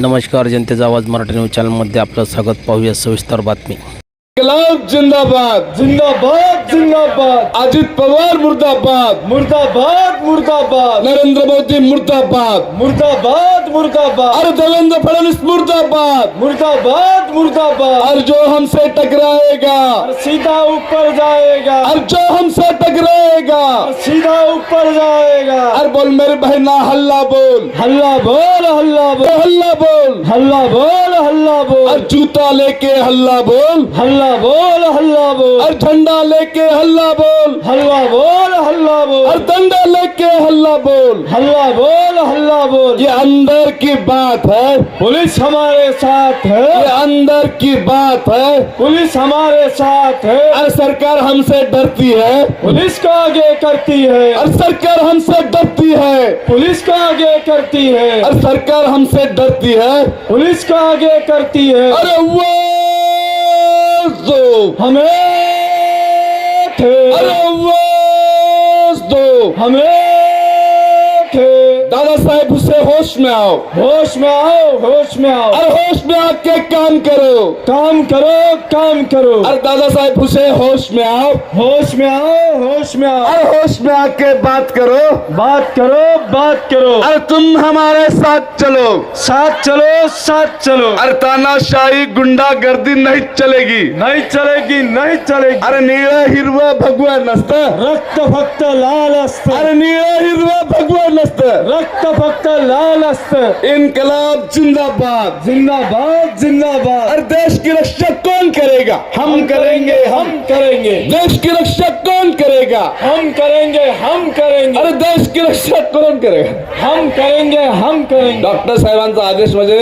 नमस्कार, जनतेचा आवाज मराठी न्यूज चॅनलमध्ये आपलं स्वागत. पाहूया सविस्तर बातमी. इन्कलाब जिंदाबाद जिंदाबाद जिंदाबाद. अजित पवार मुर्दाबाद मुर्दाबाद मुर्दाबाद. नरेंद्र मोदी मुर्दाबाद मुर्दाबाद मुर्दाबाद. और देवेंद्र फडणवीस मुर्दाबाद मुर्दाबाद मुर्दाबाद. और जो हमसे टकराएगा और सीधा ऊपर जाएगा. और जो हमसे टकराएगा और सीधा ऊपर जाएगा. और बोल मेरे बहना हल्ला बोल हल्ला बोल हल्ला बोल. हल्ला बोल हल्ला बोल हल्ला बोल. और जूता लेके हल्ला बोल हल्ला बोल हल्ला बोल. और झंडा लेके हल्ला बोल हल्ला बोल हल्ला बोल. और डंडा लेके हल्ला बोल। हल्ला बोल हल्ला बोल. ये अंदर की बात है, पुलिस हमारे साथ ये है. अंदर की बात है। पुलिस हमारे साथ है. और सरकार हमसे डरती है, पुलिस को आगे करती है. और सरकार हमसे डरती है, पुलिस को आगे करती है. और सरकार हमसे डरती है। पुलिस को आगे करती है. अरे वो दो, हमें थे. अरे वो दो। हमें थे. दादा साहेब उससे होश में आओ, होश में आओ होश में आओ. और होश में आके काम करो। काम करो काम करो. और दादा साहेब उसे होश में आओ, होश में आओ होश में आओ. और होश में आके बात करो। बात करो बात करो. और तुम हमारे साथ चलो, साथ चलो साथ चलो. और तानाशाही गुंडागर्दी नहीं चलेगी। नहीं चलेगी नहीं चलेगी. अरे निळं हिरवं भगवा नसतं, रक्त फक्त लाल असतं. अरे निळं हिरवं भगवा नसतं। रक्त फक्त लाल असतं. इनकलाब जिंदाबाद। जिंदाबाद जिंदाबाद. और देश की रक्षा कौन करेगा? हम करेंगे। हम करेंगे. देश की रक्षा कौन करेगा? हम करेंगे हम करेंगे. अरे देश की रक्षा कौन करेगा? हम करेंगे हम करेंगे. डॉक्टर साहेबांचा आदेश म्हणजे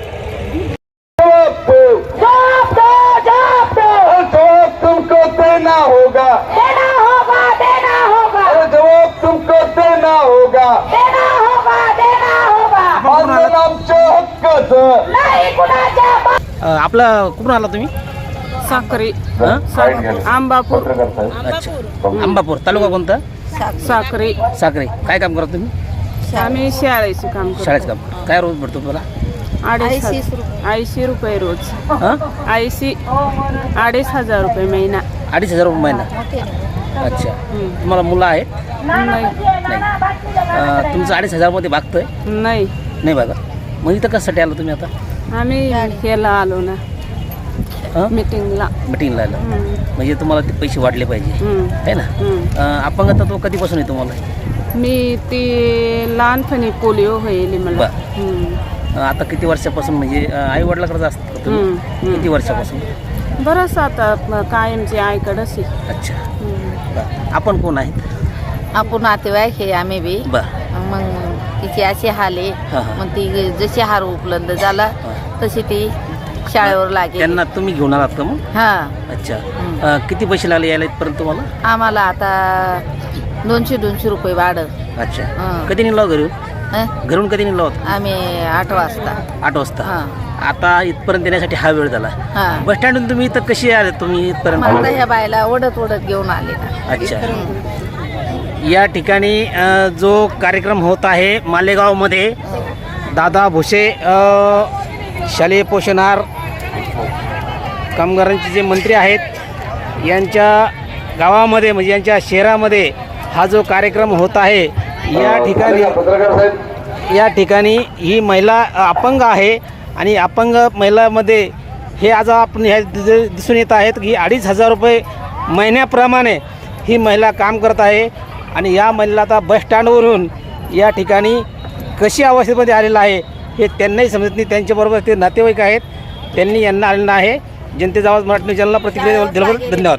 जवाब तुमको देना होगा, देना होगा देना होगा अरे जवाब तुमको देना होगा। देना होगा देना होगा. मानधन आमच्या हक्काचं. नाही कुणाच्या आपला कुठून आला तुम्ही? साखरी हं? आंबापूर अच्छा, अंबापूर तालुका कोणता? साखरी. साखरे. काय काम करता तुम्ही? आम्ही शाळेचे काम करतो. शाळेत काम. काय रोज भेटतो तुम्हाला? 80 रुपये रोज. हां, 2,500 रुपये महिना. 2,500 रुपये महिना. अच्छा, तुम्हाला मुलं आहेत? नाही नाही. तुमचं 2,500 मध्ये भागतंय? नाही. नाही बघा. मग इथं कशासाठी आलो तुम्ही आता? आम्ही ह्याला आलो ना हां, मीटिंगला. मिटिंगला आलं. म्हणजे तुम्हाला ते पैसे वाढले पाहिजे आहे ना? अपंगता तो कधीपासून आहे तुम्हाला? मी ती लहानपणी पोलिओ होईल मला. आता किती वर्षापासून, म्हणजे आई वडिलाकडे असतात का तुम्ही? किती वर्षापासून? बरंच आता कायमची आईकडंच आहे. अच्छा, बरं. आपण कोण आहेत? आपण नातेवाईक हे आम्ही बी. बरं. मग तिची अशी हाल आहे. हां, हां. मग ती जशी हार उपलब्ध झाला तशी ती शाळेवर लागेल. त्यांना तुम्ही घेऊन आलात का मग? हा. अच्छा, किती पैसे लागले यायला इथपर्यंत तुम्हाला? आम्हाला आता 200 रुपये भाडं. अच्छा, हां. कधी निघाला घरून? हं? घरून कधी निघाला होता? आम्ही 8 वाजता. 8 वाजता. हां. आता इथपर्यंत येण्यासाठी हा वेळ झाला. हां. बस स्टँडून तुम्ही इथं कशी आले तुम्ही इथपर्यंत? मला ह्या बायला ओढत घेऊन आले ना. अच्छा, या ठिकाणी जो कार्यक्रम होत आहे मालेगावमध्ये, दादा भुसे शालेय पोषण आहार कामगारांचे जे मंत्री आहेत यांच्या गावामध्ये, म्हणजे यांच्या शहरामध्ये हा जो कार्यक्रम होत आहे, या ठिकाणी ही महिला अपंग आहे. आणि अपंग महिलामध्ये हे आज आपण ह्या दिसून येत आहेत की 2,500 रुपये महिन्याप्रमाणे ही महिला काम करत आहे. आणि या महिलेला आता बस स्टँडवरून या ठिकाणी कशी अवस्थेमध्ये आलेलं आहे हे त्यांनाही समजत नाही. त्यांच्याबरोबर ते नातेवाईक आहेत, त्यांनी यांना आलेलं आहे. जनतेचा आवाज मराठी न्यूज चॅनलला प्रतिक्रिया दिल्याबद्दल धन्यवाद.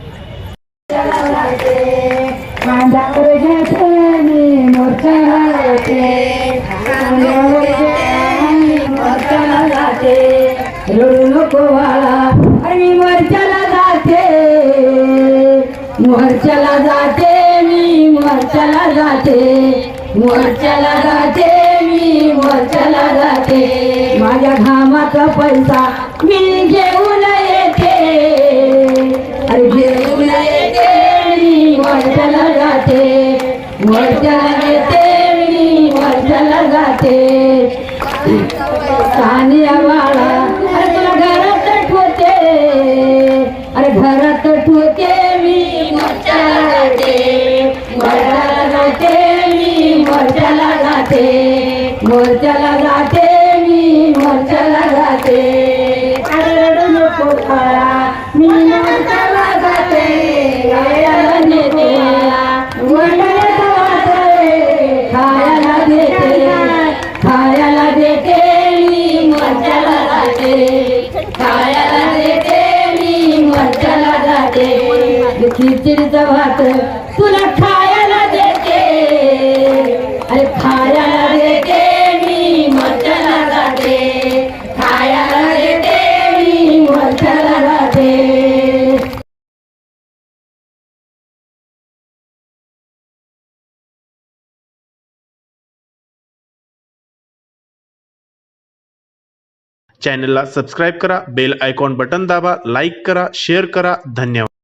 रडू नको वाला आणि मोर्चाला जाते. मोर्चाला जाते मी मोर्चाला जाते. मोर्चाला जाते मी मोर्चाला जाते. माझ्या घामाचा पैसा मी घेऊन येते. अरे घेऊन येते मी मोर्चाला जाते. मोर्चाला येते मी मोर्चाला जाते. सानिया बाळा अरे तुला घरात ठेवते अरे घरात ठेवते मी मोर्चाला जाते मोर्चाला जाते मी मोर्चाला जाते मोर्चाला जाते मी मोर्चाला जाते अरे रडू नको बाळा मी मोर्चाला जाते खायला नेते वडापाव वाटते खायला देते खायला देते मी मोर्चाला जाते खायला देते मी मोर्चाला जाते खिचडीचा भात तुला खायला देते अरे खायला देते मी मोर्चाला जाते खायला देते मी मोर्चाला जाते चॅनलला सबस्क्राईब करा, बेल आयकॉन बटन दाबा, लाईक करा, शेअर करा. धन्यवाद.